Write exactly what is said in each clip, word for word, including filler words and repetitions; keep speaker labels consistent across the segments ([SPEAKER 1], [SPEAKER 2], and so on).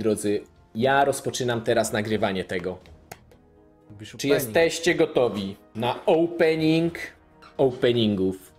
[SPEAKER 1] drodzy, ja rozpoczynam teraz nagrywanie tego. Czy jesteście gotowi na opening openingów?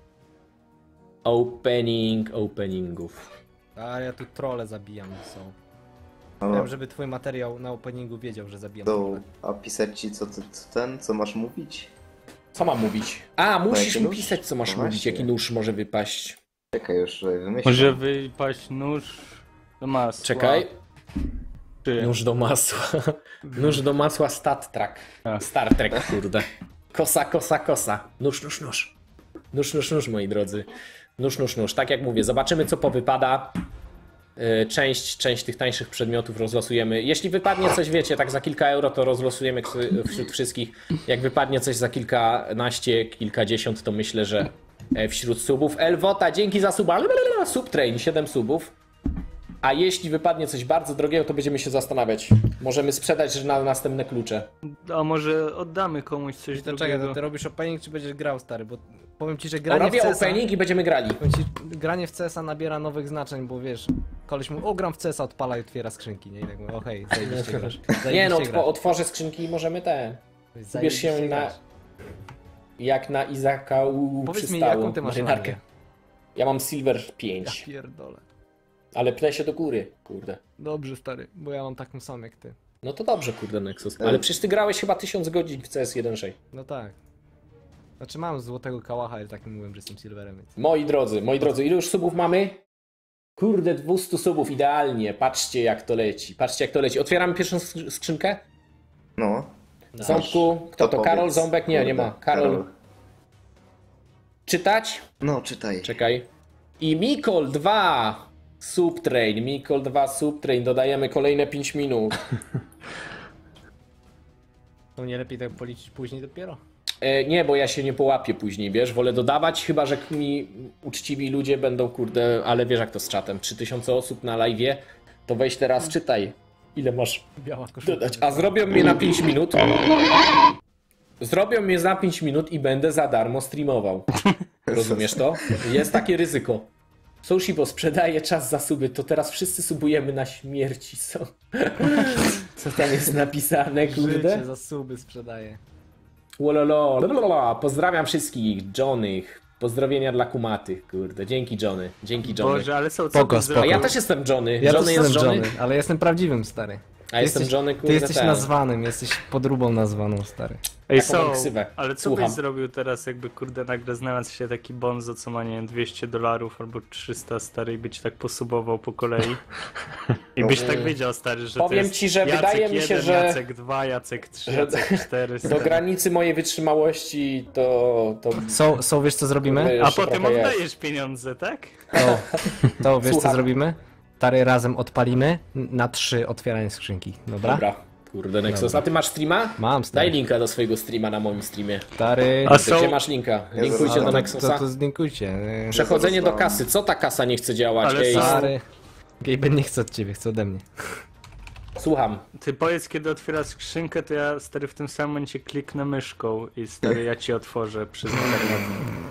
[SPEAKER 1] Opening openingów.
[SPEAKER 2] A ja tu trolle zabijam są.
[SPEAKER 3] Ale
[SPEAKER 2] Chciałem, żeby twój materiał na openingu wiedział, że zabijam
[SPEAKER 3] to,
[SPEAKER 2] trolle.
[SPEAKER 3] a pisać ci co ty, co ten, co masz mówić?
[SPEAKER 1] Co mam mówić? A, musisz
[SPEAKER 3] jaki
[SPEAKER 1] mi
[SPEAKER 3] nóż?
[SPEAKER 1] pisać, co masz
[SPEAKER 3] No
[SPEAKER 1] mówić,
[SPEAKER 3] właśnie.
[SPEAKER 1] jaki nóż może wypaść.
[SPEAKER 3] Czekaj już, że wymyślę.
[SPEAKER 4] Może wypaść nóż do masła.
[SPEAKER 1] Czekaj.
[SPEAKER 4] Czy...
[SPEAKER 1] Nóż do masła. Nóż do masła Star Trek.
[SPEAKER 4] A.
[SPEAKER 1] Star Trek, kurde. Kosa, kosa, kosa. Nóż, nóż, nóż. Nóż, nóż, nóż, moi drodzy. Nóż, nóż, nóż. Tak jak mówię, zobaczymy co powypada. Yy, Część, część tych tańszych przedmiotów rozlosujemy. Jeśli wypadnie coś, wiecie, tak za kilka euro, to rozlosujemy wśród wszystkich. Jak wypadnie coś za kilkanaście, kilkadziesiąt, to myślę, że wśród subów. Elwota, dzięki za suba. Subtrain, siedem subów. A jeśli wypadnie coś bardzo drogiego, to będziemy się zastanawiać. Możemy sprzedać na następne klucze.
[SPEAKER 4] A może oddamy komuś coś
[SPEAKER 2] To czekaj,
[SPEAKER 4] drugiego?
[SPEAKER 2] to ty robisz opening czy będziesz grał, stary? Bo powiem ci, że
[SPEAKER 1] O,
[SPEAKER 2] granie w
[SPEAKER 1] robię
[SPEAKER 2] C S a...
[SPEAKER 1] opening i będziemy grali.
[SPEAKER 2] Powiem ci, granie w C S a nabiera nowych znaczeń, bo wiesz, koleś mu, o gram w C S a, odpala i otwiera skrzynki, nie? I tak mówię, okej, okay, zajebiście grasz.
[SPEAKER 1] Nie no,
[SPEAKER 2] Zajebiście
[SPEAKER 1] otw otworzę skrzynki i możemy te.
[SPEAKER 2] grasz.
[SPEAKER 1] Ubierz się
[SPEAKER 2] Zajebiście
[SPEAKER 1] na...
[SPEAKER 2] grasz.
[SPEAKER 1] Jak na Izaka u
[SPEAKER 2] Powiedz mi,
[SPEAKER 1] przystało.
[SPEAKER 2] jaką ty masz
[SPEAKER 1] marynarkę.
[SPEAKER 2] rangę?
[SPEAKER 1] Ja mam Silver
[SPEAKER 2] Ja
[SPEAKER 1] pięć.
[SPEAKER 2] pierdolę.
[SPEAKER 1] Ale pnę się do góry, kurde.
[SPEAKER 2] Dobrze, stary, bo ja mam taką samą jak ty.
[SPEAKER 1] No to dobrze, kurde, Nexus. Ale przecież ty grałeś chyba tysiąc godzin w C S jeden sześć.
[SPEAKER 2] No tak. Znaczy mam złotego kałacha, ale tak nie mówiłem, że jestem silverem, więc...
[SPEAKER 1] Moi drodzy, moi drodzy, ile już subów mamy? Kurde, dwieście subów, idealnie. Patrzcie jak to leci, patrzcie jak to leci. Otwieramy pierwszą sk- skrzynkę?
[SPEAKER 3] No.
[SPEAKER 1] Ząbku, kto to?
[SPEAKER 3] powiedz.
[SPEAKER 1] Karol, Ząbek? Nie, nie ma.
[SPEAKER 3] Kurde,
[SPEAKER 1] Karol. Czytać?
[SPEAKER 3] No, czytaj.
[SPEAKER 1] Czekaj. I Mikol dwa Subtrain, Mikol dwa Subtrain, dodajemy kolejne pięć minut.
[SPEAKER 2] To nie lepiej tak policzyć później dopiero?
[SPEAKER 1] E, nie, bo ja się nie połapię później, wiesz, wolę dodawać, chyba że mi uczciwi ludzie będą, kurde, ale wiesz jak to z czatem, trzy tysiące osób na live'ie, to weź teraz czytaj, ile masz
[SPEAKER 2] Biała koszulka.
[SPEAKER 1] dodać, a zrobią mnie na pięć minut, zrobią mnie za pięć minut i będę za darmo streamował, rozumiesz to? Jest takie ryzyko. Sushibo sprzedaje czas za suby, to teraz wszyscy subujemy na śmierci, co? Co tam jest napisane, kurde?
[SPEAKER 2] Życie za suby sprzedaje.
[SPEAKER 1] Wololo, lalalala. Pozdrawiam wszystkich, Johnnych. Pozdrowienia dla kumatych, kurde. Dzięki Johnny, dzięki Johnny.
[SPEAKER 4] Boże, ale są co
[SPEAKER 2] Spoko,
[SPEAKER 4] ty
[SPEAKER 2] spoko.
[SPEAKER 1] A ja
[SPEAKER 4] zrobił?
[SPEAKER 1] też jestem Johnny.
[SPEAKER 2] Ja
[SPEAKER 1] Johnny
[SPEAKER 2] też
[SPEAKER 1] jest
[SPEAKER 2] jestem
[SPEAKER 1] Johnny.
[SPEAKER 2] Johnny, ale jestem prawdziwym, stary.
[SPEAKER 1] A jestem
[SPEAKER 2] jesteś,
[SPEAKER 1] Johnny, kurde,
[SPEAKER 2] Ty jesteś
[SPEAKER 1] ten.
[SPEAKER 2] nazwanym, jesteś podróbą nazwaną, stary.
[SPEAKER 4] Ej,
[SPEAKER 1] Taką mam
[SPEAKER 4] są,
[SPEAKER 1] ksywę.
[SPEAKER 4] ale co
[SPEAKER 1] Słucham.
[SPEAKER 4] byś zrobił teraz, jakby kurde nagle znalazł się taki bonzo, co ma nie wiem, dwieście dolarów albo trzysta, stary, i być tak posubował po kolei? I byś tak wiedział, stary, że
[SPEAKER 1] Powiem
[SPEAKER 4] to jest
[SPEAKER 1] ci, że
[SPEAKER 4] Jacek
[SPEAKER 1] wydaje mi się,
[SPEAKER 4] jeden,
[SPEAKER 1] że-
[SPEAKER 4] Jacek dwa, Jacek trzy,
[SPEAKER 1] że-
[SPEAKER 4] Jacek cztery,
[SPEAKER 1] Do
[SPEAKER 4] stary.
[SPEAKER 1] granicy mojej wytrzymałości to... to...
[SPEAKER 2] So, so wiesz co zrobimy?
[SPEAKER 1] Jeszcze
[SPEAKER 4] A potem
[SPEAKER 1] trochę jest.
[SPEAKER 4] oddajesz pieniądze, tak?
[SPEAKER 2] To, to wiesz
[SPEAKER 1] Słucham.
[SPEAKER 2] co zrobimy? Stary, razem odpalimy na trzy otwieranie skrzynki, dobra?
[SPEAKER 1] Dobra, kurde Nexus. A ty masz streama?
[SPEAKER 2] Mam, stary.
[SPEAKER 1] Daj linka do swojego streama na moim streamie.
[SPEAKER 2] Stary,
[SPEAKER 4] A
[SPEAKER 1] Ty,
[SPEAKER 4] są-
[SPEAKER 1] Gdzie masz linka? Linkujcie
[SPEAKER 3] to-
[SPEAKER 1] do
[SPEAKER 2] to,
[SPEAKER 1] Nexusa.
[SPEAKER 2] to, to zlinkujcie.
[SPEAKER 1] Przechodzenie do
[SPEAKER 3] Zostałem.
[SPEAKER 1] kasy. Co ta kasa nie chce działać?
[SPEAKER 4] Ale
[SPEAKER 1] Ej,
[SPEAKER 4] są-
[SPEAKER 2] Stary, Gaben nie chce od ciebie, chce ode mnie.
[SPEAKER 1] słucham.
[SPEAKER 4] Ty powiedz, kiedy otwierasz skrzynkę, to ja, stary, w tym samym momencie kliknę myszką i, stary, ja ci otworzę przez internet.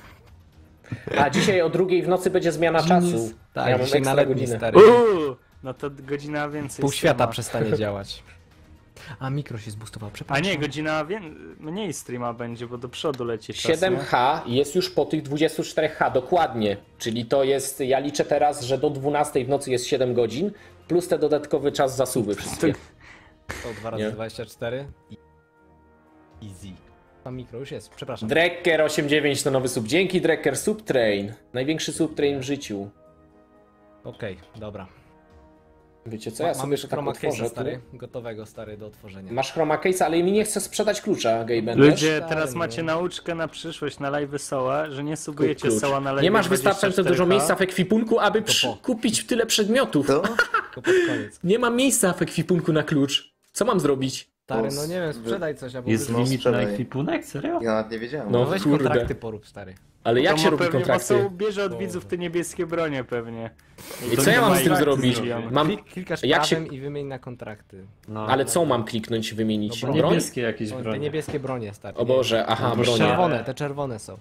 [SPEAKER 1] A dzisiaj o drugiej w nocy będzie zmiana czasu.
[SPEAKER 2] Tak,
[SPEAKER 1] ja mam
[SPEAKER 2] dzisiaj na
[SPEAKER 1] ekstra
[SPEAKER 2] letni,
[SPEAKER 1] godzinę.
[SPEAKER 2] stary.
[SPEAKER 4] Uuu, no to godzina więcej.
[SPEAKER 2] Pół świata
[SPEAKER 4] streama.
[SPEAKER 2] przestanie działać. A mikro się zbustował,
[SPEAKER 4] A
[SPEAKER 2] przepraszam.
[SPEAKER 4] nie, godzina wię... mniej streama będzie, bo do przodu leci czas,
[SPEAKER 1] siedem
[SPEAKER 4] nie?
[SPEAKER 1] H jest już po tych dwudziestu czterech H, dokładnie. Czyli to jest, ja liczę teraz, że do dwunastej w nocy jest siedem godzin, plus te dodatkowy czas zasuwy wszystkie.
[SPEAKER 2] To dwa razy
[SPEAKER 1] Nie.
[SPEAKER 2] dwadzieścia cztery. I- Easy. Tam mikro już jest, przepraszam.
[SPEAKER 1] Drekker osiemdziesiąt dziewięć to nowy sub. Dzięki Drekker, subtrain. Największy subtrain w życiu.
[SPEAKER 2] Okej, dobra.
[SPEAKER 1] Wiecie co, ja
[SPEAKER 2] Mamy
[SPEAKER 1] sobie
[SPEAKER 2] już
[SPEAKER 1] to tak
[SPEAKER 2] chroma
[SPEAKER 1] otworzę
[SPEAKER 2] case'a,
[SPEAKER 1] tu.
[SPEAKER 2] stary, gotowego, stary, do otworzenia.
[SPEAKER 1] Masz chroma case, ale mi nie chce sprzedać klucza, Gaben, wiesz?
[SPEAKER 4] Ludzie,
[SPEAKER 2] Stary,
[SPEAKER 4] teraz
[SPEAKER 2] no.
[SPEAKER 4] macie nauczkę na przyszłość, na live Soła, że nie subujecie
[SPEAKER 1] Klucz.
[SPEAKER 4] Soła na live
[SPEAKER 1] Nie masz wystarczająco dużo miejsca w ekwipunku, aby przy...
[SPEAKER 2] po.
[SPEAKER 1] kupić tyle przedmiotów.
[SPEAKER 3] To?
[SPEAKER 2] Tylko pod koniec.
[SPEAKER 1] Nie mam miejsca w ekwipunku na klucz. Co mam zrobić?
[SPEAKER 2] Stary,
[SPEAKER 3] To
[SPEAKER 2] no
[SPEAKER 3] z-
[SPEAKER 2] nie wiem, sprzedaj coś, albo
[SPEAKER 5] Jest
[SPEAKER 2] wyrzuć.
[SPEAKER 3] no,
[SPEAKER 5] limit na
[SPEAKER 3] sprzedaj.
[SPEAKER 5] ekwipunek? Serio?
[SPEAKER 3] Ja nawet nie wiedziałem.
[SPEAKER 1] No.
[SPEAKER 2] No weź
[SPEAKER 1] kurde.
[SPEAKER 2] kontrakty porób, stary.
[SPEAKER 1] Ale jak się robi
[SPEAKER 4] pewnie,
[SPEAKER 1] kontrakty?
[SPEAKER 4] Bo Soł bierze od
[SPEAKER 2] Boże.
[SPEAKER 4] widzów te niebieskie bronie pewnie.
[SPEAKER 1] I
[SPEAKER 4] to
[SPEAKER 1] co
[SPEAKER 4] nie
[SPEAKER 1] ja mam
[SPEAKER 4] ma
[SPEAKER 1] z tym
[SPEAKER 4] jak
[SPEAKER 1] zrobić?
[SPEAKER 4] zrobione.
[SPEAKER 1] Mam...
[SPEAKER 2] Klik, klikasz
[SPEAKER 1] jak się-
[SPEAKER 2] prawem i wymień na kontrakty.
[SPEAKER 5] No.
[SPEAKER 1] Ale co mam kliknąć, wymienić?
[SPEAKER 2] No,
[SPEAKER 1] Broń?
[SPEAKER 5] Niebieskie jakieś
[SPEAKER 2] O, te
[SPEAKER 5] bronie.
[SPEAKER 2] niebieskie bronie, stary.
[SPEAKER 1] O Boże, aha,
[SPEAKER 5] Bo
[SPEAKER 1] broń.
[SPEAKER 2] Czerwone, te czerwone są.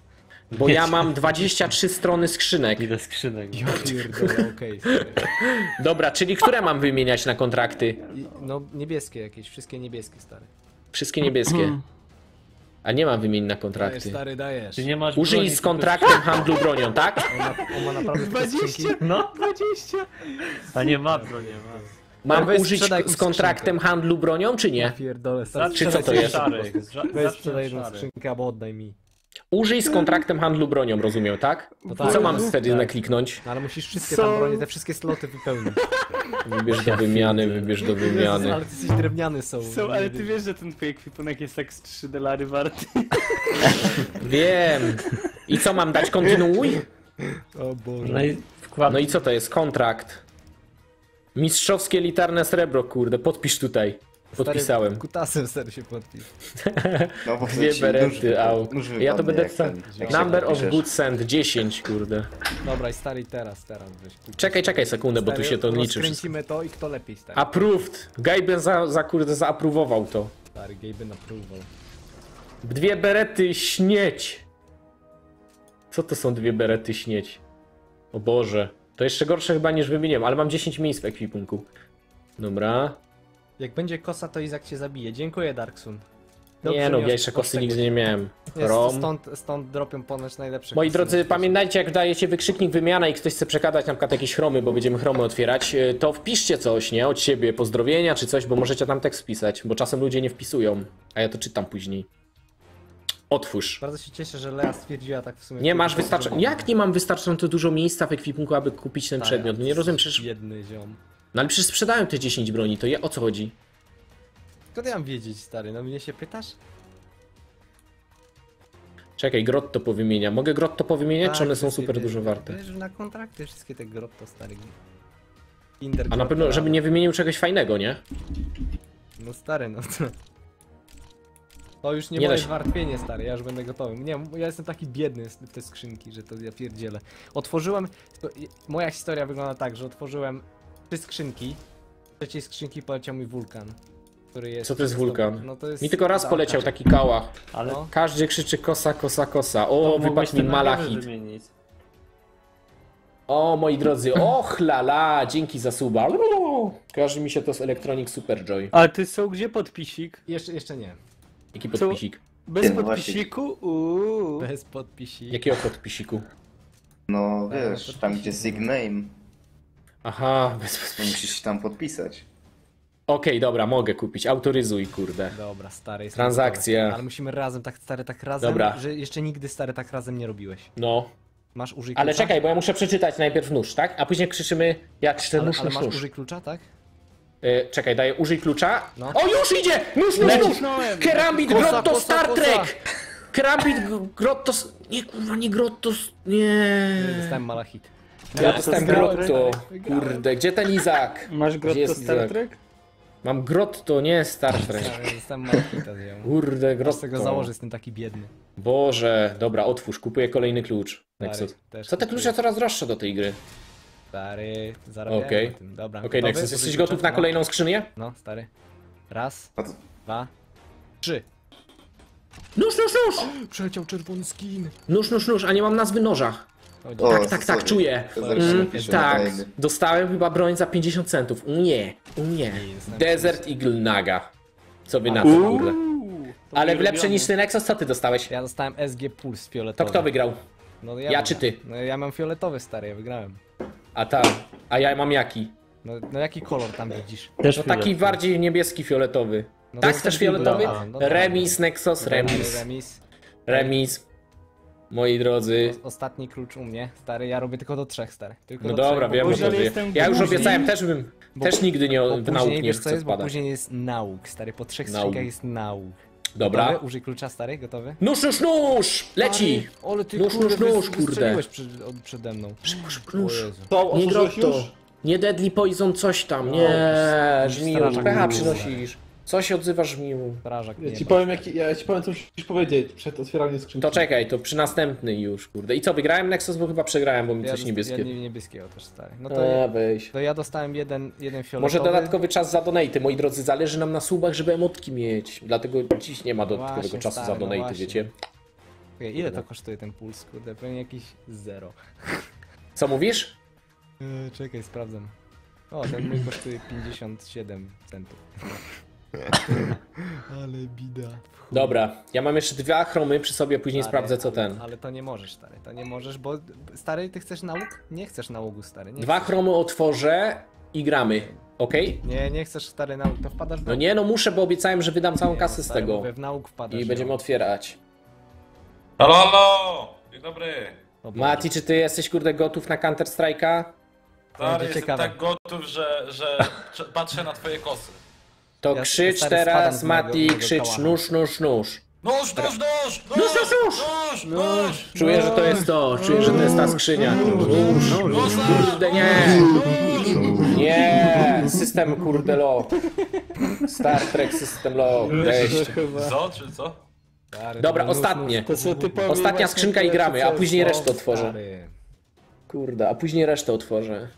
[SPEAKER 1] Bo ja mam dwadzieścia trzy strony skrzynek.
[SPEAKER 4] Ile skrzynek.
[SPEAKER 2] Ja pierdolę, okej, stary.
[SPEAKER 1] Dobra, czyli które mam wymieniać na kontrakty?
[SPEAKER 2] I- No niebieskie jakieś, wszystkie niebieskie, stary.
[SPEAKER 1] Wszystkie niebieskie. A nie mam wymienić na
[SPEAKER 2] Dajesz,
[SPEAKER 1] kontrakty.
[SPEAKER 2] stary, dajesz.
[SPEAKER 4] Ty nie masz
[SPEAKER 1] Użyj
[SPEAKER 4] broni,
[SPEAKER 1] z
[SPEAKER 4] tylko
[SPEAKER 1] kontraktem handlu bronią, tak?
[SPEAKER 2] On ma, on ma naprawdę te skrzynki.
[SPEAKER 4] dwadzieścia, no dwadzieścia. A nie ma broni, ma.
[SPEAKER 1] Mam
[SPEAKER 2] weź
[SPEAKER 1] użyć
[SPEAKER 2] sprzedaj
[SPEAKER 1] z
[SPEAKER 2] jakąś
[SPEAKER 1] kontraktem handlu bronią, czy nie?
[SPEAKER 2] Pierdolę, stary.
[SPEAKER 1] Czy co to
[SPEAKER 2] sprzedaj
[SPEAKER 1] jest?
[SPEAKER 2] sobie-
[SPEAKER 4] Szary.
[SPEAKER 2] Weź sprzedaj jedną skrzynkę albo oddaj mi.
[SPEAKER 1] Użyj z kontraktem handlu bronią, rozumiem, tak?
[SPEAKER 2] No
[SPEAKER 1] I
[SPEAKER 2] tak.
[SPEAKER 1] co mam wtedy nakliknąć?
[SPEAKER 2] No ale musisz wszystkie
[SPEAKER 4] Co?
[SPEAKER 2] tam bronie, te wszystkie sloty wypełnić.
[SPEAKER 1] Wybierz do wymiany, wybierz do
[SPEAKER 2] Jezus,
[SPEAKER 1] wymiany.
[SPEAKER 2] ale ty jesteś drewniany są.
[SPEAKER 4] Są, ale ty wiesz, że ten twój ekwipunek jest tak z trzy dolary warty.
[SPEAKER 1] Wiem. I co mam dać? Kontynuuj?
[SPEAKER 2] O Boże.
[SPEAKER 4] No i wkład...
[SPEAKER 1] No i co to jest? Kontrakt. Mistrzowskie elitarne srebro, kurde, podpisz tutaj. Podpisałem.
[SPEAKER 2] Stary, kutasem stary się podpis.
[SPEAKER 3] No bo
[SPEAKER 1] Dwie
[SPEAKER 3] ci
[SPEAKER 1] berety,
[SPEAKER 3] nóż
[SPEAKER 1] au.
[SPEAKER 3] wypadnie, nóż
[SPEAKER 1] Ja to
[SPEAKER 3] wypadnie,
[SPEAKER 1] będę
[SPEAKER 3] jak
[SPEAKER 1] wsta-
[SPEAKER 3] ten- jak się
[SPEAKER 1] Number of
[SPEAKER 3] podpiszesz.
[SPEAKER 1] good send dziesięć, kurde.
[SPEAKER 2] Dobra i stary teraz, teraz weź. kutas.
[SPEAKER 1] Czekaj, czekaj sekundę, bo tu
[SPEAKER 2] Stary,
[SPEAKER 1] się to liczy wszystko.
[SPEAKER 2] rozkręcimy to i kto lepiej stary.
[SPEAKER 1] Approved. Gajben za, za kurde zaapruwował to.
[SPEAKER 2] Stary, Gaben approval.
[SPEAKER 1] Dwie berety śnieć. Co to są dwie berety śnieć? O Boże. To jeszcze gorsze chyba niż wymieniłem, ale mam dziesięć miejsc w ekwipunku. Dobra.
[SPEAKER 2] Jak będzie kosa, to Izak cię zabije. Dziękuję, Darksun.
[SPEAKER 1] Nie no, ja jeszcze kosy nigdy nie miałem.
[SPEAKER 2] Jest,
[SPEAKER 1] Rom.
[SPEAKER 2] stąd, stąd dropią ponoć najlepsze
[SPEAKER 1] Moi
[SPEAKER 2] kosy
[SPEAKER 1] drodzy,
[SPEAKER 2] na świecie.
[SPEAKER 1] pamiętajcie, jak dajecie wykrzyknik wymiana i ktoś chce przekazać na przykład jakieś chromy, bo będziemy chromy otwierać, y, to wpiszcie coś, nie? Od siebie, pozdrowienia czy coś, bo możecie tam tekst wpisać, bo czasem ludzie nie wpisują, a ja to czytam później. Otwórz.
[SPEAKER 2] Bardzo się cieszę, że Lea stwierdziła tak w sumie.
[SPEAKER 1] Nie masz
[SPEAKER 2] kurde,
[SPEAKER 1] wystarczająco... Jak nie mam wystarczająco dużo miejsca w ekwipunku, aby kupić ten
[SPEAKER 2] Stary,
[SPEAKER 1] przedmiot? No nie rozumiem, przecież...
[SPEAKER 2] Biedny ziom.
[SPEAKER 1] No ale przecież sprzedają te dziesięć broni, to je o co chodzi?
[SPEAKER 2] Skąd ja mam wiedzieć, stary? No mnie się pytasz?
[SPEAKER 1] Czekaj, grotto powymienia. Mogę grotto powymieniać, czy
[SPEAKER 2] Tak,
[SPEAKER 1] one są
[SPEAKER 2] wszystkie
[SPEAKER 1] super
[SPEAKER 2] te-
[SPEAKER 1] dużo warte?
[SPEAKER 2] Wiesz, na kontrakty wszystkie te grotto, stary. Kinder
[SPEAKER 1] A na
[SPEAKER 2] grotto,
[SPEAKER 1] pewno, żeby nie wymienił czegoś fajnego, nie?
[SPEAKER 2] No stary, no to... To już nie,
[SPEAKER 1] Nie da
[SPEAKER 2] moje
[SPEAKER 1] się.
[SPEAKER 2] zmartwienie, stary, ja już będę gotowy. Nie, ja jestem taki biedny w te skrzynki, że to ja pierdzielę. Otworzyłem... to- Moja historia wygląda tak, że otworzyłem trzy skrzynki. Z trzeciej skrzynki poleciał mi wulkan. Który jest...
[SPEAKER 1] Co to jest wulkan?
[SPEAKER 2] No to jest...
[SPEAKER 1] Mi tylko raz
[SPEAKER 2] Dark
[SPEAKER 1] poleciał
[SPEAKER 2] Age.
[SPEAKER 1] taki kałach.
[SPEAKER 4] Ale
[SPEAKER 2] No.
[SPEAKER 1] Każdy krzyczy kosa, kosa, kosa. O,
[SPEAKER 4] to mogłeś
[SPEAKER 1] wypadł mi
[SPEAKER 4] ten
[SPEAKER 1] malachit.
[SPEAKER 4] nagrody wymienić.
[SPEAKER 1] O, moi drodzy, och lala, dzięki za suba. Kojarzy mi się to z Electronic Superjoy.
[SPEAKER 4] Ale ty są gdzie podpisik?
[SPEAKER 2] Jeszcze, jeszcze nie.
[SPEAKER 1] Jaki podpisik?
[SPEAKER 4] Bez
[SPEAKER 3] Ty, no właśnie.
[SPEAKER 4] podpisiku? Uuu.
[SPEAKER 2] Bez podpisi.
[SPEAKER 1] Jakiego podpisiku?
[SPEAKER 3] No
[SPEAKER 2] Tak,
[SPEAKER 3] wiesz,
[SPEAKER 2] to
[SPEAKER 3] tam
[SPEAKER 2] pisze.
[SPEAKER 3] gdzie signame,
[SPEAKER 1] Aha, bez
[SPEAKER 3] to
[SPEAKER 1] podpisiku.
[SPEAKER 3] musisz się tam podpisać.
[SPEAKER 1] Okej, dobra, mogę kupić. Autoryzuj, kurde.
[SPEAKER 2] Dobra, stary, jestem
[SPEAKER 1] Transakcja.
[SPEAKER 2] gotowy. Ale musimy razem, tak stary, tak razem,
[SPEAKER 1] Dobra.
[SPEAKER 2] że jeszcze nigdy stary tak razem nie robiłeś.
[SPEAKER 1] No,
[SPEAKER 2] Masz użyj
[SPEAKER 1] ale
[SPEAKER 2] klucza?
[SPEAKER 1] czekaj, bo ja muszę przeczytać najpierw nóż, tak? A później krzyczymy, ja krzyczę
[SPEAKER 2] ale,
[SPEAKER 1] nóż,
[SPEAKER 2] ale
[SPEAKER 1] nóż,
[SPEAKER 2] masz
[SPEAKER 1] nóż.
[SPEAKER 2] użyj klucza, tak?
[SPEAKER 1] E, czekaj, daję użyj klucza.
[SPEAKER 2] No.
[SPEAKER 1] O, już idzie! Nóż, nóż, nóż!
[SPEAKER 4] Nacisnąłem.
[SPEAKER 1] Kerambit,
[SPEAKER 2] Kosa,
[SPEAKER 1] grotto,
[SPEAKER 2] kosa,
[SPEAKER 1] Star
[SPEAKER 2] kosa.
[SPEAKER 1] Trek! Kerambit, g- grotto... s- Nie, kurwa, nie grotto... s- Nie...
[SPEAKER 2] Dostałem malachit.
[SPEAKER 1] Ja dostałem
[SPEAKER 4] wygrałem,
[SPEAKER 1] grotto.
[SPEAKER 2] wygrałem.
[SPEAKER 1] Kurde, gdzie ten Izak?
[SPEAKER 4] Masz
[SPEAKER 1] Gdzie
[SPEAKER 4] grotto
[SPEAKER 1] jest
[SPEAKER 4] Star
[SPEAKER 1] Izak?
[SPEAKER 4] Trek?
[SPEAKER 1] Mam grotto, nie Star Trek.
[SPEAKER 2] Ja dostałem malachita z nią.
[SPEAKER 1] Kurde,
[SPEAKER 2] Aż tego
[SPEAKER 1] grotto.
[SPEAKER 2] założę, jestem taki biedny.
[SPEAKER 1] Boże, dobra, otwórz, kupuję kolejny klucz. Nexus.
[SPEAKER 2] też
[SPEAKER 1] Co te
[SPEAKER 2] kupuję.
[SPEAKER 1] klucze coraz droższe do tej gry?
[SPEAKER 2] Stary, zarabiałem
[SPEAKER 1] Okej.
[SPEAKER 2] na tym. Dobra,
[SPEAKER 1] Okej,
[SPEAKER 2] gotowy?
[SPEAKER 1] Nexus,
[SPEAKER 2] Użyj
[SPEAKER 1] jesteś
[SPEAKER 2] klucza?
[SPEAKER 1] gotów na
[SPEAKER 2] No.
[SPEAKER 1] kolejną skrzynię?
[SPEAKER 2] No, stary. Raz,
[SPEAKER 3] A to,
[SPEAKER 2] dwa, trzy.
[SPEAKER 1] Nóż, nóż, nóż!
[SPEAKER 2] Przeleciał czerwony skin.
[SPEAKER 1] Nóż, nóż, nóż, a nie mam nazwy noża.
[SPEAKER 3] o,
[SPEAKER 1] Tak, tak, tak,
[SPEAKER 3] sorry.
[SPEAKER 1] czuję.
[SPEAKER 3] To
[SPEAKER 2] Mm,
[SPEAKER 3] zaraz
[SPEAKER 1] Mm,
[SPEAKER 3] napiszę
[SPEAKER 1] tak,
[SPEAKER 3] kolejny.
[SPEAKER 1] dostałem chyba broń za pięćdziesiąt centów. U nie, u nie.
[SPEAKER 2] jest
[SPEAKER 1] Desert Eagle Naga. Co wy na to,
[SPEAKER 4] Uuu.
[SPEAKER 1] kurde.
[SPEAKER 4] To
[SPEAKER 1] Ale
[SPEAKER 4] mój
[SPEAKER 1] w lepsze
[SPEAKER 4] ulubiony.
[SPEAKER 1] niż ty Nexus, co ty dostałeś?
[SPEAKER 2] Ja dostałem S G Puls
[SPEAKER 1] To
[SPEAKER 2] fioletowy.
[SPEAKER 1] kto wygrał?
[SPEAKER 2] No,
[SPEAKER 1] Ja czy ty?
[SPEAKER 2] No ja mam fioletowy, stary, ja wygrałem.
[SPEAKER 1] A ta, a ja mam jaki?
[SPEAKER 2] No, no jaki kolor tam widzisz?
[SPEAKER 4] Też
[SPEAKER 1] No taki
[SPEAKER 4] fioletowy.
[SPEAKER 1] bardziej niebieski, fioletowy.
[SPEAKER 2] No
[SPEAKER 1] Tak,
[SPEAKER 2] to
[SPEAKER 1] też
[SPEAKER 2] jest
[SPEAKER 1] fioletowy?
[SPEAKER 2] dobra, no tak.
[SPEAKER 1] Remis, Nexus, remis.
[SPEAKER 2] Remis.
[SPEAKER 1] Remis. Moi drodzy.
[SPEAKER 2] O- Ostatni klucz u mnie, stary, ja robię tylko do trzech, stary. Tylko
[SPEAKER 1] No
[SPEAKER 2] do
[SPEAKER 1] dobra,
[SPEAKER 2] trzech,
[SPEAKER 1] wiem
[SPEAKER 2] bo
[SPEAKER 1] o
[SPEAKER 4] później
[SPEAKER 1] tobie.
[SPEAKER 4] jestem
[SPEAKER 1] Ja już
[SPEAKER 4] głupi.
[SPEAKER 1] obiecałem, też bym,
[SPEAKER 2] Bo-
[SPEAKER 1] też nigdy nie,
[SPEAKER 2] bo
[SPEAKER 1] w nauk
[SPEAKER 2] później,
[SPEAKER 1] nie
[SPEAKER 2] wiesz co
[SPEAKER 1] chcę
[SPEAKER 2] jest, bo
[SPEAKER 1] wpadać.
[SPEAKER 2] później jest nauk, stary, po trzech
[SPEAKER 1] Nauk.
[SPEAKER 2] skrzynkach jest nauk.
[SPEAKER 1] Dobra.
[SPEAKER 2] Gotowy? Użyj klucza, stary, gotowy?
[SPEAKER 1] Nóż, nóż, nóż! Leci!
[SPEAKER 2] Stary, ale ty
[SPEAKER 1] Nóż,
[SPEAKER 2] kurde,
[SPEAKER 1] nóż, nóż,
[SPEAKER 2] wys-
[SPEAKER 1] kurde.
[SPEAKER 2] wystrzeliłeś przed, od, przede mną. O
[SPEAKER 1] Nóż.
[SPEAKER 2] Jezu.
[SPEAKER 5] To
[SPEAKER 1] Nie
[SPEAKER 5] otworzyłeś
[SPEAKER 1] grotto.
[SPEAKER 5] już?
[SPEAKER 1] Nie Deadly Poison, coś tam.
[SPEAKER 2] No,
[SPEAKER 1] Nie,
[SPEAKER 2] już
[SPEAKER 1] żmiu.
[SPEAKER 2] strażak
[SPEAKER 1] Pecha
[SPEAKER 2] mówił.
[SPEAKER 1] przynosisz. Co się odzywasz, żmiu?
[SPEAKER 2] Strażak
[SPEAKER 5] Ja
[SPEAKER 2] nie
[SPEAKER 5] ci
[SPEAKER 2] ma.
[SPEAKER 5] powiem, jak, ja ci powiem, co musisz powiedzieć przed otwieraniem skrzynki.
[SPEAKER 1] To czekaj, to przy następny już, kurde. I co, wygrałem Nexus, bo chyba przegrałem, bo mi
[SPEAKER 2] Ja
[SPEAKER 1] coś
[SPEAKER 2] dost-
[SPEAKER 1] niebieskie.
[SPEAKER 2] Ja nie, niebieskiego też, stary. No to,
[SPEAKER 1] A, weź.
[SPEAKER 2] to ja dostałem jeden, jeden fioletowy.
[SPEAKER 1] Może dodatkowy czas za donaty, moi drodzy, zależy nam na subach, żeby emotki mieć. Dlatego dziś nie ma dodatkowego
[SPEAKER 2] Właśnie,
[SPEAKER 1] czasu
[SPEAKER 2] stary,
[SPEAKER 1] za
[SPEAKER 2] no
[SPEAKER 1] donaty,
[SPEAKER 2] właśnie.
[SPEAKER 1] wiecie?
[SPEAKER 2] Ej, ile to kosztuje ten puls? Kurde, pewnie jakieś zero.
[SPEAKER 1] Co mówisz?
[SPEAKER 2] Yy, czekaj, sprawdzam. O, ten mój kosztuje pięćdziesiąt siedem centów. Ale bida.
[SPEAKER 1] Dobra, ja mam jeszcze dwa chromy przy sobie, później
[SPEAKER 2] Stary,
[SPEAKER 1] sprawdzę co
[SPEAKER 2] ale,
[SPEAKER 1] ten.
[SPEAKER 2] Ale to nie możesz, stary, to nie możesz, bo stary, ty chcesz nauk? Nie chcesz nałogu, stary. Nie
[SPEAKER 1] Dwa
[SPEAKER 2] chcesz.
[SPEAKER 1] chromy otworzę i gramy. Okej?
[SPEAKER 2] Nie, nie chcesz, stary, nauk, to wpadasz w
[SPEAKER 1] No
[SPEAKER 2] nauk.
[SPEAKER 1] nie, no muszę, bo obiecałem, że wydam całą
[SPEAKER 2] Nie,
[SPEAKER 1] kasę
[SPEAKER 2] no,
[SPEAKER 1] z
[SPEAKER 2] stary,
[SPEAKER 1] tego.
[SPEAKER 2] mówię, w nauk wpadasz.
[SPEAKER 1] I
[SPEAKER 2] jo.
[SPEAKER 1] będziemy otwierać.
[SPEAKER 6] Halo, halo! Dzień dobry.
[SPEAKER 2] O Boże.
[SPEAKER 1] Mati, czy ty jesteś kurde gotów na Counter Strike'a?
[SPEAKER 6] Stary,
[SPEAKER 2] Będzie
[SPEAKER 6] jestem
[SPEAKER 2] ciekawe.
[SPEAKER 6] tak gotów, że, że cz- patrzę na twoje kosy.
[SPEAKER 1] To
[SPEAKER 2] Ja
[SPEAKER 1] krzycz
[SPEAKER 2] stary
[SPEAKER 1] teraz,
[SPEAKER 2] spadam z mojego-
[SPEAKER 1] Mati,
[SPEAKER 2] mojego
[SPEAKER 1] krzycz
[SPEAKER 2] kałacha.
[SPEAKER 1] nóż, nóż, nóż.
[SPEAKER 6] Nóż, nóż, nóż! Nóż,
[SPEAKER 1] nóż,
[SPEAKER 6] nóż, nóż!
[SPEAKER 1] Czuję, że to jest to, czuję, że to jest ta skrzynia. Nóż,
[SPEAKER 6] Nóż,
[SPEAKER 1] kurde, nie! Nie! System kurde low. Star Trek System low. Weź.
[SPEAKER 6] Co, czy co?
[SPEAKER 2] Stary,
[SPEAKER 1] Dobra,
[SPEAKER 2] to nóż,
[SPEAKER 1] ostatnie.
[SPEAKER 2] nóż,
[SPEAKER 5] To są typowi
[SPEAKER 1] Ostatnia
[SPEAKER 5] właśnie
[SPEAKER 1] skrzynka i
[SPEAKER 5] te
[SPEAKER 1] gramy, a
[SPEAKER 5] co-
[SPEAKER 1] później
[SPEAKER 5] co-
[SPEAKER 1] resztę otworzę.
[SPEAKER 2] Stary.
[SPEAKER 1] Kurde, a później resztę otworzę.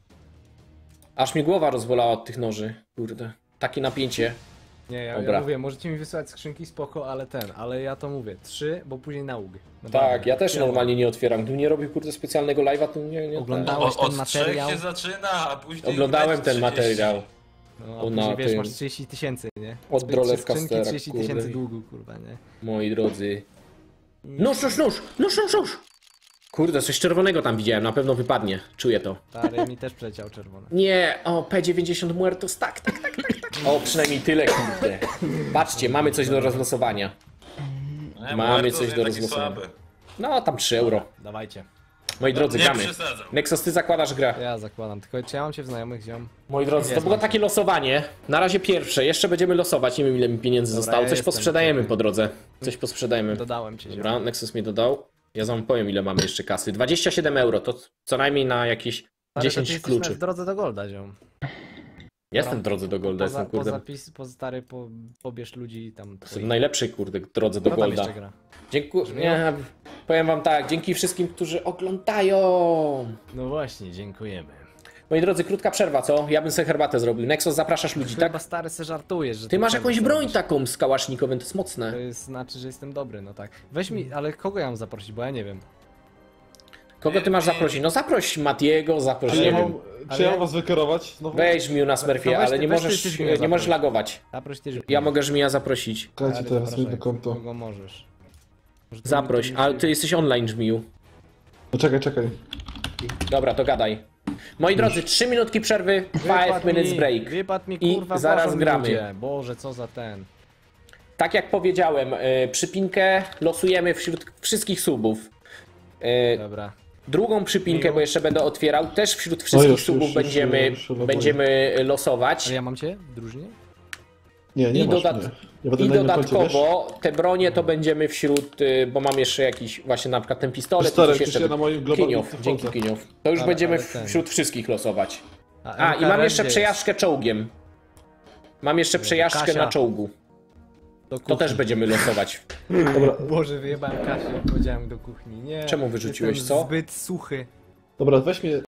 [SPEAKER 1] Aż mi głowa rozwolała od tych noży. Kurde. Takie napięcie.
[SPEAKER 2] Nie, ja,
[SPEAKER 1] Dobra.
[SPEAKER 2] ja mówię, możecie mi wysłać skrzynki, spoko, ale ten, ale ja to mówię, trzy, bo później nauk.
[SPEAKER 1] Tak, ja też normalnie nie otwieram. Gdybym nie robił kurde specjalnego live'a, to nie, nie
[SPEAKER 2] Oglądałem.
[SPEAKER 6] O,
[SPEAKER 2] Dałeś ten
[SPEAKER 6] od trzech
[SPEAKER 2] materiał?
[SPEAKER 6] się zaczyna, a później...
[SPEAKER 1] Oglądałem
[SPEAKER 6] leci
[SPEAKER 1] ten
[SPEAKER 6] trzydzieści.
[SPEAKER 1] materiał.
[SPEAKER 2] No, a
[SPEAKER 1] O,
[SPEAKER 2] później
[SPEAKER 1] na
[SPEAKER 2] wiesz,
[SPEAKER 1] tym.
[SPEAKER 2] masz trzydzieści tysięcy, nie?
[SPEAKER 1] Od
[SPEAKER 2] Trzy
[SPEAKER 1] Drolewka
[SPEAKER 2] skrzynki,
[SPEAKER 1] Stera,
[SPEAKER 2] trzydzieści tysięcy
[SPEAKER 1] kurde.
[SPEAKER 2] długu, kurwa, nie?
[SPEAKER 1] Moi drodzy. Nóż, nóż, nóż! Nóż, nóż, nóż! Kurde, coś czerwonego tam widziałem, na pewno wypadnie. Czuję to.
[SPEAKER 2] Stary, mi też przeleciał czerwony.
[SPEAKER 1] Nie, o, P dziewięćdziesiąt Muertos, tak, tak, tak, tak, tak. O, przynajmniej tyle, kurde. Patrzcie, mamy coś do rozlosowania.
[SPEAKER 6] Nie,
[SPEAKER 1] Mamy
[SPEAKER 6] Muertos
[SPEAKER 1] coś
[SPEAKER 6] jest
[SPEAKER 1] do
[SPEAKER 6] taki
[SPEAKER 1] rozgłosowania.
[SPEAKER 6] słaby.
[SPEAKER 1] No, tam trzy euro.
[SPEAKER 2] Dawajcie.
[SPEAKER 1] Moi drodzy,
[SPEAKER 6] Nie
[SPEAKER 1] gramy.
[SPEAKER 6] przesadzam.
[SPEAKER 1] Nexus, ty zakładasz grę.
[SPEAKER 2] Ja zakładam, tylko czy ja mam cię w znajomych, ziom?
[SPEAKER 1] Moi drodzy, to
[SPEAKER 2] Jest,
[SPEAKER 1] było
[SPEAKER 2] mam.
[SPEAKER 1] takie losowanie. Na razie pierwsze, jeszcze będziemy losować, nie wiem ile mi pieniędzy
[SPEAKER 2] Dobra,
[SPEAKER 1] zostało.
[SPEAKER 2] ja
[SPEAKER 1] Coś
[SPEAKER 2] jestem.
[SPEAKER 1] posprzedajemy po drodze. Coś posprzedajemy.
[SPEAKER 2] Dodałem cię, ziom.
[SPEAKER 1] Dobra, Nexus mnie dodał. Ja wam powiem ile mamy jeszcze kasy. dwadzieścia siedem euro, to co najmniej na jakieś
[SPEAKER 2] Stary, to ty
[SPEAKER 1] dziesięć
[SPEAKER 2] jesteś
[SPEAKER 1] kluczy.
[SPEAKER 2] w drodze do Golda, ziom.
[SPEAKER 1] Jestem w drodze do Golda,
[SPEAKER 2] Poza,
[SPEAKER 1] jestem kurde.
[SPEAKER 2] poza, pis, poza stary, po, pobierz ludzi tam.
[SPEAKER 1] Jestem w
[SPEAKER 2] twoich.
[SPEAKER 1] najlepszej kurde drodze do
[SPEAKER 2] Kto tam
[SPEAKER 1] Golda.
[SPEAKER 2] jeszcze gra?
[SPEAKER 1] Dziękuję. Nie, powiem wam tak, dzięki wszystkim, którzy oglądają.
[SPEAKER 2] No właśnie, dziękujemy.
[SPEAKER 1] Moi drodzy, krótka przerwa, co? Ja bym sobie herbatę zrobił. Nexus, zapraszasz ludzi,
[SPEAKER 2] Chyba
[SPEAKER 1] tak?
[SPEAKER 2] stary se żartujesz, że
[SPEAKER 1] Ty masz
[SPEAKER 2] przerwę
[SPEAKER 1] jakąś broń
[SPEAKER 2] zrobisz.
[SPEAKER 1] taką z kałasznikowym, to jest
[SPEAKER 2] To
[SPEAKER 1] mocne.
[SPEAKER 2] jest, znaczy, że jestem dobry, no tak. Weź mi, ale kogo ja mam zaprosić, bo ja nie wiem.
[SPEAKER 1] Kogo ty masz zaprosić? No zaproś Matiego, zaproś,
[SPEAKER 5] Czy
[SPEAKER 1] nie
[SPEAKER 5] ja
[SPEAKER 1] wiem.
[SPEAKER 5] mam,
[SPEAKER 2] Ale
[SPEAKER 5] czy ja
[SPEAKER 2] ja-
[SPEAKER 5] mam was wykierować? Znowu?
[SPEAKER 1] Weź Miu Smurfie,
[SPEAKER 2] No weź
[SPEAKER 1] ale
[SPEAKER 2] ty-
[SPEAKER 1] nie
[SPEAKER 2] weź ty,
[SPEAKER 1] możesz,
[SPEAKER 2] ty mnie
[SPEAKER 1] nie możesz
[SPEAKER 2] zaproś.
[SPEAKER 1] lagować.
[SPEAKER 2] Zaproś też.
[SPEAKER 1] Ja mogę Żmija zaprosić.
[SPEAKER 5] Czekajcie teraz mi do konto.
[SPEAKER 2] Kogo możesz. Może to
[SPEAKER 1] Zaproś,
[SPEAKER 2] mi-
[SPEAKER 1] ale ty jesteś online, Żmiju.
[SPEAKER 5] No czekaj, czekaj.
[SPEAKER 1] Dobra, to gadaj. Moi drodzy, trzy minutki przerwy,
[SPEAKER 2] Wypadł
[SPEAKER 1] five minutes
[SPEAKER 2] mi,
[SPEAKER 1] break.
[SPEAKER 2] Wypadł mi
[SPEAKER 1] I
[SPEAKER 2] kurwa,
[SPEAKER 1] zaraz
[SPEAKER 2] bożą
[SPEAKER 1] gramy.
[SPEAKER 2] ludzie. Boże, co za ten.
[SPEAKER 1] Tak jak powiedziałem, y, przypinkę losujemy wśród wszystkich subów. Y,
[SPEAKER 2] Dobra.
[SPEAKER 1] Drugą przypinkę,
[SPEAKER 2] Miło.
[SPEAKER 1] bo jeszcze będę otwierał, też wśród wszystkich
[SPEAKER 5] już,
[SPEAKER 1] subów
[SPEAKER 5] już, już,
[SPEAKER 1] będziemy,
[SPEAKER 5] już loguję.
[SPEAKER 1] będziemy losować.
[SPEAKER 2] Ale ja mam cię w drużynie?
[SPEAKER 5] Nie, nie
[SPEAKER 1] I,
[SPEAKER 5] masz
[SPEAKER 1] dodat-
[SPEAKER 5] mnie. Ja będę
[SPEAKER 1] I
[SPEAKER 5] na innym koncie, wiesz?
[SPEAKER 1] dodatkowo te bronie to będziemy wśród, y, bo mam jeszcze jakiś, właśnie na przykład ten pistolet,
[SPEAKER 5] Stary,
[SPEAKER 1] i coś
[SPEAKER 5] przecież
[SPEAKER 1] jeszcze.
[SPEAKER 5] ja na moim globalnym
[SPEAKER 1] Kiniow,
[SPEAKER 5] wchodzę.
[SPEAKER 1] dzięki Kiniow. To już
[SPEAKER 2] Ale-
[SPEAKER 1] będziemy
[SPEAKER 2] ale ten.
[SPEAKER 1] wśród wszystkich losować. A,
[SPEAKER 2] M K
[SPEAKER 1] i mam
[SPEAKER 2] R
[SPEAKER 1] jeszcze
[SPEAKER 2] gdzie
[SPEAKER 1] przejażdżkę czołgiem. Mam jeszcze przejażdżkę
[SPEAKER 2] Kasia.
[SPEAKER 1] na czołgu.
[SPEAKER 2] jest? Do
[SPEAKER 1] To
[SPEAKER 2] kuchni.
[SPEAKER 1] też będziemy losować.
[SPEAKER 5] Dobra,
[SPEAKER 2] Boże, wyjebałem Kasię, powiedziałem do kuchni. Nie.
[SPEAKER 1] Czemu wyrzuciłeś,
[SPEAKER 2] jestem
[SPEAKER 1] co?
[SPEAKER 2] zbyt suchy.
[SPEAKER 5] dobra, weź mnie